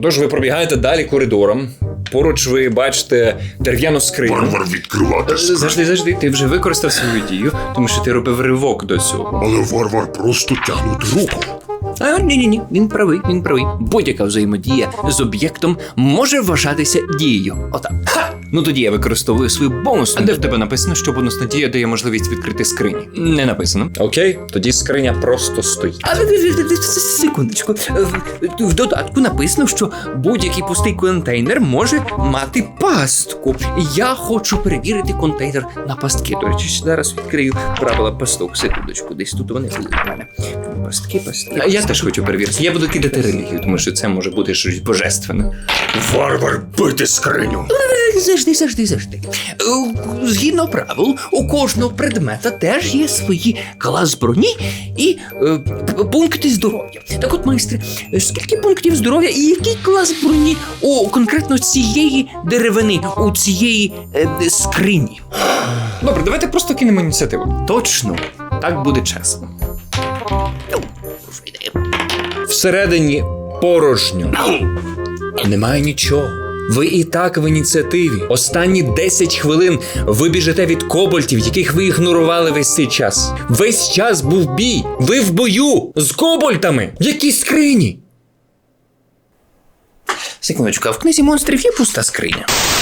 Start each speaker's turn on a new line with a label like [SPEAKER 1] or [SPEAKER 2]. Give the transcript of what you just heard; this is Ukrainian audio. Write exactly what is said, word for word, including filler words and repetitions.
[SPEAKER 1] Тож ви пробігаєте далі коридором. Поруч ви бачите дерев'яну скриню.
[SPEAKER 2] Варвар відкривати скриню.
[SPEAKER 1] Завжди, завжди, ти вже використав свою дію, тому що ти робив ривок до цього.
[SPEAKER 2] Але варвар просто тягнути руку.
[SPEAKER 3] А, ні-ні-ні, він правий, він правий. Будь-яка взаємодія з об'єктом може вважатися дією. Отак.
[SPEAKER 1] Ха! Ну тоді я використовую свою бонусну. А де в тебе написано, що бонусна дія дає можливість відкрити скрині?
[SPEAKER 3] Не написано.
[SPEAKER 1] Окей, тоді скриня просто стоїть.
[SPEAKER 3] А, секундочку. В- В додатку написано, що будь-який пустий контейнер може мати пастку. Я хочу перевірити контейнер на пастки. До речі, зараз відкрию правила пасток. Секундочку, десь тут вони були в мене. Пастки, пастки.
[SPEAKER 1] А я теж хочу перевірити. Я буду кидати релігію, тому що це може бути щось божественне.
[SPEAKER 2] Варвар бити скриню.
[SPEAKER 3] Завжди, завжди, завжди. Е, Згідно правил, у кожного предмета теж є свої клас броні і е, п- пункти здоров'я. Так от, майстре, скільки пунктів здоров'я і який клас броні у конкретно цієї деревини, у цієї е, скрині?
[SPEAKER 1] Добре, давайте просто кинемо ініціативу. Точно, так буде чесно. Всередині порожньо. Немає нічого. Ви і так в ініціативі. Останні десять хвилин ви біжите від кобальтів, яких ви ігнорували весь цей час. Весь час був бій. Ви в бою з кобальтами. В якій скрині?
[SPEAKER 3] Секундочку, а в книзі монстрів є пуста скриня?